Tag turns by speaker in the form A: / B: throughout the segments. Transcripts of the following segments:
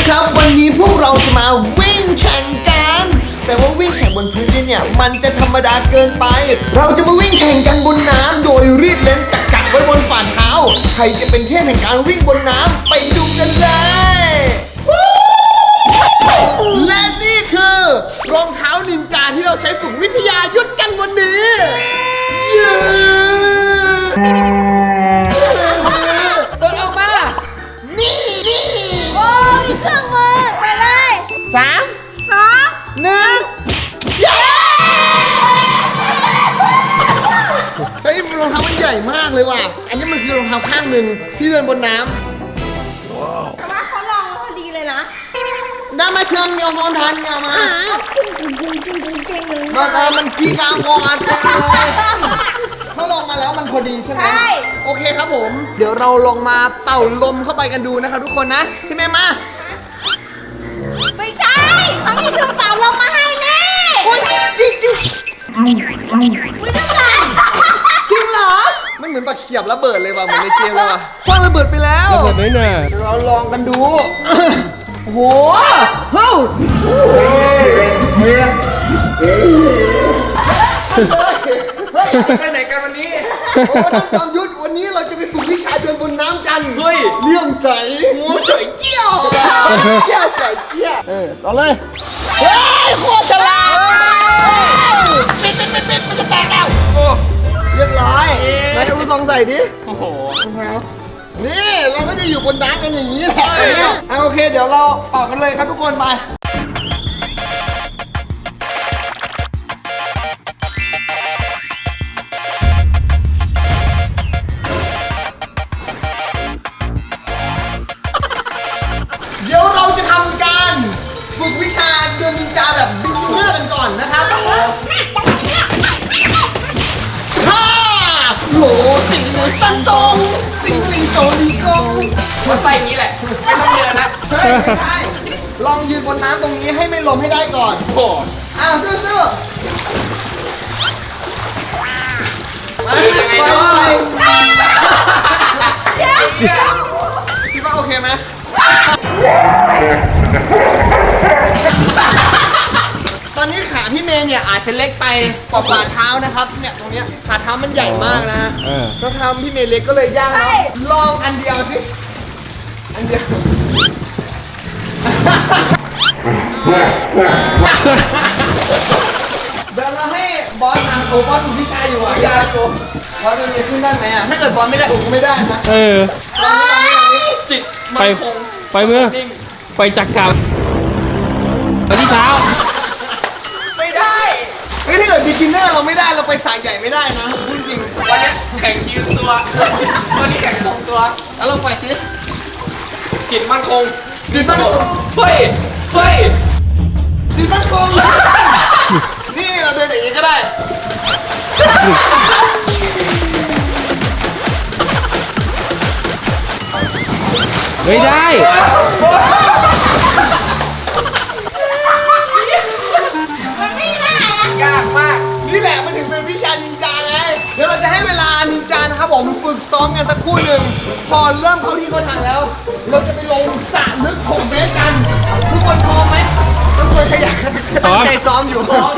A: ครับวันนี้พวกเราจะมาวิ่งแข่งกันแต่ว่าวิ่งแข่งบนพื้นดินเนี่ยมันจะธรรมดาเกินไปเราจะมาวิ่งแข่งกันบนน้ำโดยรีดเลนจักรไว้บนฝ่าเท้าใครจะเป็นเทพแห่งการวิ่งบนน้ำไปดูกันเลยและนี่คือรองเท้านินจาที่เราใช้ฝึกวิทยายุทธกันวันนี้เปิดออกมานี่
B: โอ้ยเครื่องมือไปเลย
A: 3 2 1เย้เฮ้ยรองเท้ามันใหญ่มากเลยว่ะอันนี้มันคือรองเท้าข้างหนึ่งที่เดินบนน้ำ
B: แต่ว่าเขาลองพอดีเลยนะ
A: ได้มาเชิญเงาพรทันเงามามันกีกางอนเลยเขาลงมาแล้วมันพอดีใช่ไหมโอเคครับผมเดี๋ยวเราลงมาเต่าลมเข้าไปกันดูนะครับทุกคนนะพี่แม่มา
B: ไม่ใช่เขามีเครื่องเป่าลมมาให้แน่
A: จริง
B: ไม่ต้องหลัง
A: จริงเหรอมันเหมือนปลาเขียบระเบิดเลยว่ะเหมือนในเกมเลยว่ะคว้างระเบิดไปแล้ว
C: ระเบิดไหมเนี่ย
A: เราลองกันดูโอ้โหเฮ้ย
C: ไปไหนกันวันนี้
A: โอ้ท่านจอมยุทธวันนี้เราจะไปฝึกวิชาเดินบนน้ำกันเฮ้ยเลื่อมใสโอ้จ่อยเจี้ยวจ่อยเจี้ยวต่อเลยเฮ้ยโคตรฉลาดปิดมันจะแตกแล้วเรียบร้อยนายดูซองใส่ดิ
C: โอ้โห
A: นี่เราก็จะอยู่บนน้ำกันอย่างนี้แหละโอเคเดี๋ยวเราออกกันเลยครับทุกคนไปเดี๋ยวเราจะทำการฝึกวิชาเดินนินจาแบบบิ๊กเนอร์กันก่อนนะครับฮ่าโหสิงห์สันตงสิงห์ลิงโซลีกง
C: มันไปอย่างนี้แหละไม่ต้องเดินนะ
A: เฮ้ยไม่ได้ลองยืนบนน้ำตรงนี้ให้ไม่ลมให้ได้ก่อน
C: โอ้
A: ซื่อ
C: ไปยังไงเนาะ
A: คิดว่าโอเคไหมตอนนี้ขาพี่เมย์เนี่ยอาจจะเล็กไปกว่าฝ่าเท้านะครับเนี่ยตรงเนี้ยฝ่าเท้ามันใหญ่มากนะแล้วเท้าพี่เมย์เล็กก็เลยยากลองอันเดียวสิอันเดียวเดี๋ยวเราให้บอสนะโอ้บอสถูกพี่ชายอยู่อ่ะยาโกบอสจะขึ้นได้ไหมอ่ะถ้าเกิดบอสไม่ได้ถูกไม่ได้นะ
C: จิตมันคงไปเมื่อไปจักรกับไปที่เท้า
A: ไม่ได้ถ้าเกิดบิ๊กินเนอร์เราไม่ได้เราไปสายใหญ่ไม่ได้นะพูดจริง
C: วันนี้แข่งยืนตัววันนี้แข่งทรงตัวแล้วลงไปสิจิตมันคง
A: จิตมันคง
C: เฮ้ย
A: จิตมันคงนี่เราเดินอย่างนี้ก็ได้
C: ไม่ได้
B: มันไม่ได้
A: ยากมากนี่แหละมันถึงเป็นวิชานินจาไงเดี๋ยวเราจะให้เวลานินจานะครับผมฝึกซ้อมกันสักครู่หนึ่งพอเริ่มเข้าที่เข้าทางแล้วเราจะไปลงสระลึก6 เมตรกันทุกคนพร้อมไหมทุกคนขยันตั้งใจซ้อมอยู่พร้อม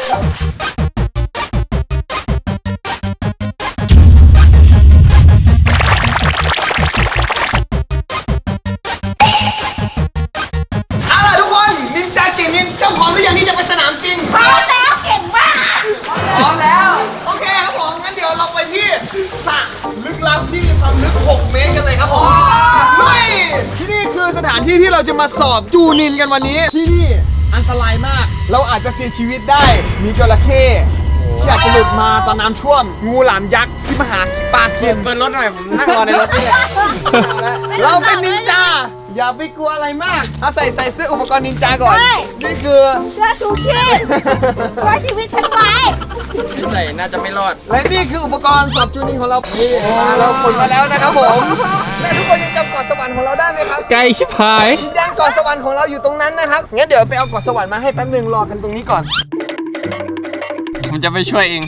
A: ที่มีความลึก6 เมตรกันเลยครับผมที่นี่คือสถานที่ที่เราจะมาสอบจูนินกันวันนี้ที่นี่อันตรายมากเราอาจจะเสียชีวิตได้มีจระเข้ที่อาจจะหลุดมาตอนน้ำท่วมงูหลามยักษ์ที่มาหาปลาเขียนเปิดรถหน่อยผมนั่งรอในรถนี่แหละเราเป็นนินจาอย่าไปกลัวอะไรมากเอาใส่เสื้ออุปกรณ์นินจาก่อนนี่คือ
B: เสื้อชูชีพไว้ชีวิตฉันไว้
C: ใส่น่าจะไม่รอด
A: และนี่คืออุปกรณ์สอบจูนิงของเรานี่เราขนมาแล้วนะครับผมและทุกคนยังจำเกาะสวรรค์ของเราได้ไหมครับ
C: ไกลชิบหาย
A: ย่านเกาะสวรรค์ของเราอยู่ตรงนั้นนะครับงั้นเดี๋ยวไปเอาเกาะสวรรค์มาให้แป๊บนึงรอกันตรงนี้ก่อน
C: ผมจะไปช่วยเอง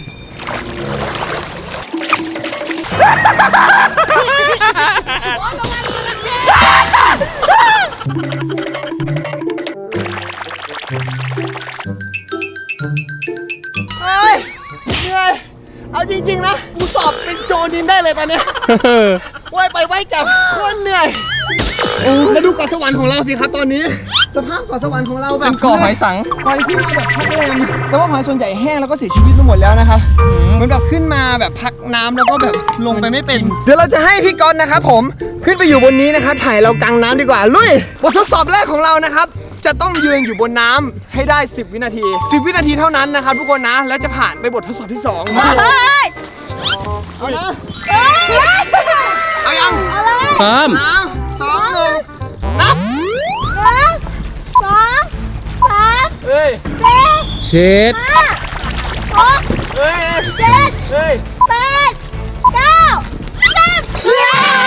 A: ได้เลยตอนเนี้ยว่ายไปว่ายกลับโคตรเหนื่อยแล้วดูเกาะสวรรค์ของเราสิครับตอนนี้ สภาพเกาะสวรรค์ของเราแบบ
C: เป็นเกาะหอยสัง
A: หอยขึ้นมาแบบพักแรมแต่ว่าหอยส่วนใหญ่แห้งแล้วก็เสียชีวิตไปหมดแล้วนะครับเหมือนแบบขึ้นมาแบบพักน้ำแล้วก็แบบลงไปไม่เป็น เดี๋ยวเราจะให้พี่ก๊อตนะครับผมขึ้นไปอยู่บนนี้นะครับถ่ายเรากลางน้ำดีกว่าลุยบททดสอบแรกของเรานะครับจะต้องยืนอยู่บนน้ำให้ได้ 10 วินาที 10 วินาทีเท่านั้นนะครับทุกคนนะแล้วจะผ่านไปบททดสอบที่2มา
B: เฮ้ย
A: เอานะ
B: เฮ้ย
A: เอายัง
B: เอาเลย
C: พร้อม
A: 3 2 1นับ
B: 1 2 3
A: เฮ้ย
B: 4
C: เช็ด
B: 5 6
A: เฮ้ย
B: 7
A: เฮ้ย
B: 8 9 10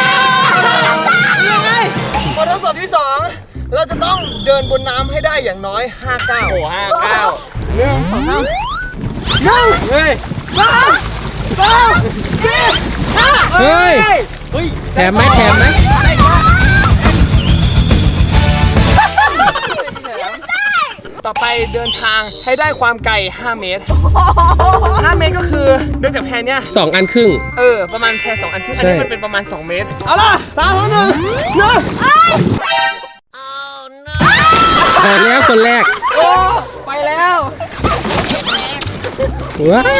A: ยังไงบททดสอบที่ 2 เราจะต้องเดินบนน้ำให้ได้อย่างน้อย5ก้าวโอ้5ก้าว1 2 3 1เฮ้ย2 3 4 5
C: เฮ้ย แถมไหมแถมไหม
A: ต่อไปเดินทางให้ได้ความไกล5 เมตร 5 เมตรก็คือเดินจากแพเนี้ย
C: 2 อันครึ่ง
A: ประมาณแพ2 อันครึ่งอัน
C: ใช่
A: นี้มันเป็นประมาณ2 เมตร เอาล่ะ3 2 1
C: ออกแล้วคนแรก
A: โอ้ไปแล้ว
C: ว้า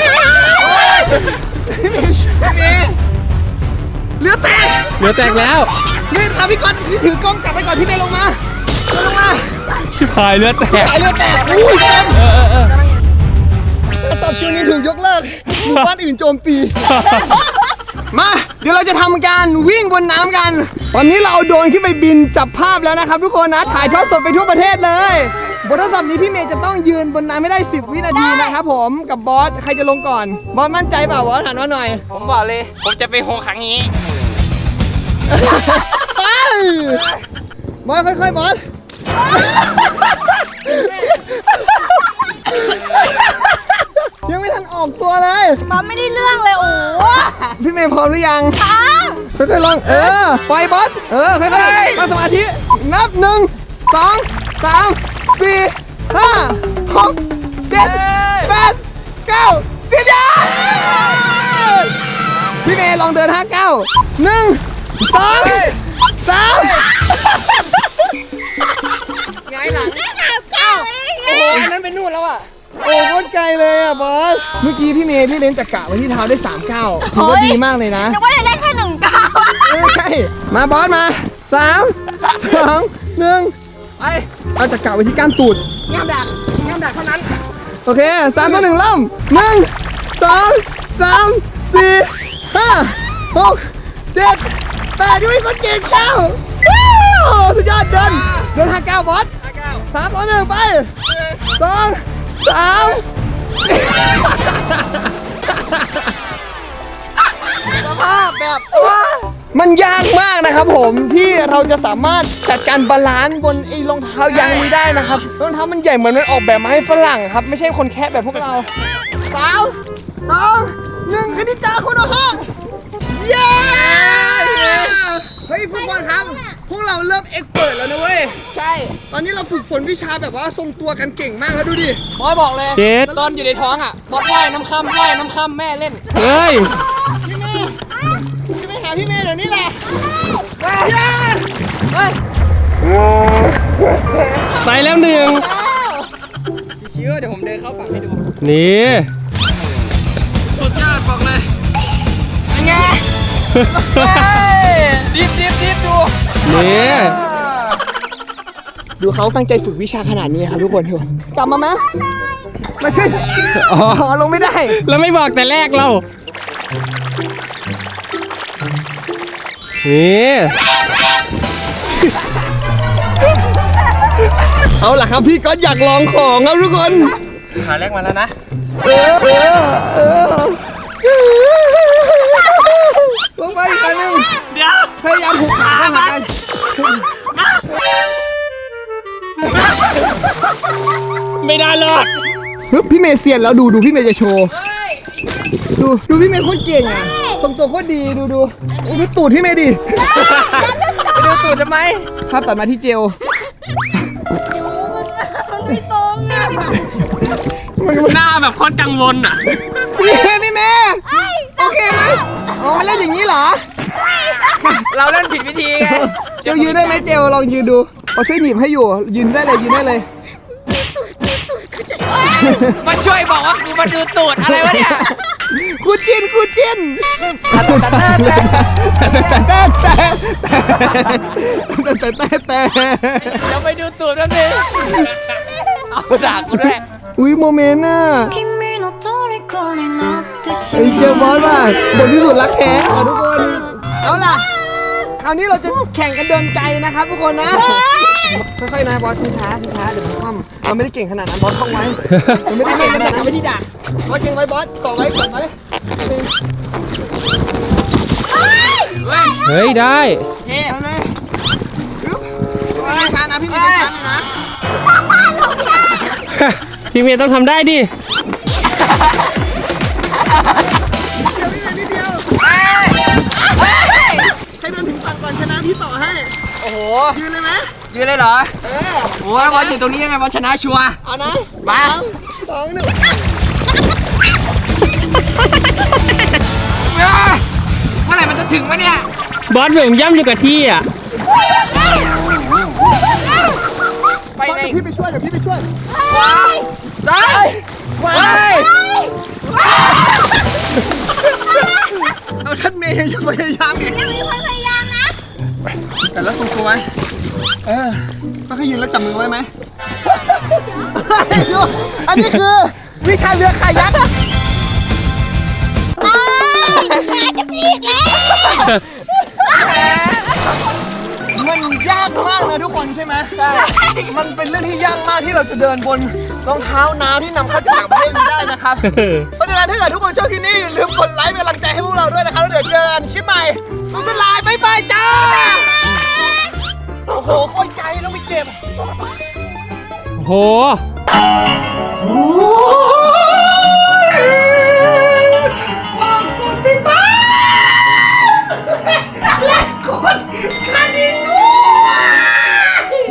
A: พี่เมย์เรือแตก
C: เหลือแตกแล้ว
A: นี่ทำพี่ก๊อตพี่ถือกล้องกลับไปก่อนพี่เมย์ลงมาลงมา
C: ชิบหายเลือดแตก
A: สายเรือแตกอุ้ย
C: เออ
A: สอบจูนี้ถูกยกเลิกหมู่บ้านอื่นโจมตี มาเดี๋ยวเราจะทำการวิ่งบนน้ำกัน วันนี้เราเอาโดรนขึ้นไปบินจับภาพแล้วนะครับทุกคนนะ ถ่ายทอดสดไปทั่วประเทศเลย บททดสอบนี้พี่เมย์จะต้องยืนบนน้ำไม่ได้ 10 วินาทีนะครับผมกับบอส ใครจะลงก่อน บอสมั่นใจเปล่าบอสหันมาหน่อย
C: ผมบอกเลย ผมจะไปโฮครั้งนี้
A: ไปบอสค่อยๆบอส ยังไม่ทันออกตัวเลย
B: บอสไม่ได้เรื่องเลยโอ้
A: พี่เมย์พร้อมหรือยัง
B: ตาม
A: ค่อยๆลองปล่อยบอสค่อยๆตั้งสมาธินับ1 2 3 4 5 6 7 8 9 10ยาพี่เมย์ลองเดิน5 ก้าว1 2 3ไงหลัง
B: 9
A: โอ้โหอันนั้นเป็นนู่นแล้วอ่ะโอ้โคตรไกลเลยอ่ะบอสเมื่อกี้พี่เมย์พี่เล่นจักระไว้ที่เท้าได้3 ก้าวถือว่าดีมากเลยนะ
B: นึกว่าจะได้แค่1 ก้าว
A: ใช่มาบอสมา3 2 1ไปเอาจักระไว้ที่ก้ามตูดง่ามดักเท่านั้นโอเค3 2 1เริ่ม1 2 3 4 5 6 7 8ด้วยคนเก่งเจ้าสุดยอดเดิน5 ก้าวบอส3 2 1ไป2 3สภาพแบบมันยากมากนะครับผมที่เราจะสามารถจัดการบาลานซ์บนไอ้รองเท้ายางนี้ได้นะครับรองเท้ามันใหญ่เหมือนมันออกแบบมาให้ฝรั่งครับไม่ใช่คนแคะแบบพวกเรา3 2 1คณิจาคุณห้องเย้เฮ้ยพวกคนครับพวกเราเริ่มเอ็กเปิดแล้วนะเว้ยใช่ตอนนี้เราฝึกฝนวิชาแบบว่าทรงตัวกันเก่งมากแล้วดูดิบอสบอกเลย
C: เช็ด
A: ตอนอยู่ในท้องอ่ะบอสว่ายน้ำค่ำแม่เล่น
C: เฮ้ย
A: พี่เมย์จะไปหาพี่เมย์เดี๋ยวนี้แหละเฮ้ย
C: ไปแล้วหนึ่ง
A: เชื่อเดี๋ยวผมเดินเข้าฝั่งให้ดู
C: นี่
A: สุดยอดบอกเลยเป็นไงดิบดู
C: นี่
A: ดูเขาตั้งใจฝึกวิชาขนาดนี้ครับทุกคนดูกลับมาไหมมาช่วยอ๋อลงไม่ได้
C: แล้วไม่บอกแต่แรกเรา นี่
A: เอาล่ะครับพี่ก็อยากลองของครับทุกคน
C: ขาแรกมาแล้วนะ
A: ลงไปอีกอันหนึง
C: เดี๋ยว
A: พยายามผูกขาเข้าหากัน
C: ไม่ได้หรอก
A: ปึ๊บพี่เมย์เซียนแล้วดูพี่เมย์จะโชว์ดูพี่เมย์โคตรเก่งอ่ะทรงตัวโคตรดีดูตูดพี่เมย์ดิไปดูตูดทำไมภาพตัดมาที่เจล
B: มันไม่ตรงอ่ะ
C: หน้าแบบโคตรกังวลอ่ะ
A: พี่เมย์โอเคไหมอ๋อมันเล่นอย่างนี้เหรอ
C: เราเล่นผิดวิธีไง
A: เจลยืนได้ไหมเจลลองยืนดูเอาช่วยหนีบให้อยู่ยืนได้เลยยืนได้เลย
C: มาช่วยบอกว่ากูมาดูตูดอะไรวะเนี่ย
A: คู่จิ้นคู่จิ้นแต่
C: เดี๋ยวไปดูตูดแป๊บนึงเอาด่ากูด้วย
A: อุ้ยโมเมนต์น่ะ
D: 君の虜になってし
A: ไอ้เจลบอสว่ะบทที่สุดรักแท้ทุกคน เอาล่ะ คราวนี้เราจะแข่งกันเดินไกลนะครับทุกคนนะ ค่อยๆนะบอสช้าๆเดี๋ยวผมคว่ำเราไม่ได้เก่งขนาดนั้นบอสท่องไว้เราไม่ได้เก่งขนาดนั้นไม่ได้ด่าบอสเก่งไว้บอสต่อไว้ก่อนไว้
C: เฮ้ยได้
A: เฮ้เอาเลยปึ๊บช้าๆนะพี่เมย์ช้าๆนะ
C: พี่เมย์ต้องทำได้ดิ
A: นิดเดียวให้เดินถึงฝั่งก่อนชนะพี่ต่อให้
C: โอ้โห
A: ยืนเลยไหม
C: ยืนเลยเหรอ โอ้ยบอลอยู่ตรงนี้ยังไงบอลชนะชัวร์
A: เอานะ
C: มา
A: 2 1
C: เมื่อไหร่มันจะถึงวะเนี่ย บอสเหมือนย่ำอยู่กับที่อ่ะ
A: ไปไหนพี่ไปช่วยเดี๋ยวพี่ไปช่วย
C: ซ้ายขวา
A: เอาท่านเมย์อย่าพยายามอีก
B: ยังมีคนพยายามนะ
A: แต่แล้วทรงตัวไว้ก็แค่ยืนแล้วจับมือไว้ไหมอันนี้คือวิชาเรือคายัก
B: ขาจะพีกแล้ว
A: มันยากมากนะทุกคนใช่ไหมใช่มันเป็นเรื่องที่ยากมากที่เราจะเดินบนรองเท้าน้ำที่นำเข้าจากต่างประเทศนี้ได้นะครับ เพราะฉะนั้นถ้าเกิดทุกคนชอบคลิปนี้อย่าลืมกดไลค์เป็นกำลังใจให้พวกเราด้วยนะครับแล้วเดี๋ยวเจอกันคลิปใหม่สุดสลายบ๊ายบายจ้า โอ้โหโคตรไกลต้องไปเก็บ
C: โอ้โห
A: โอ้โห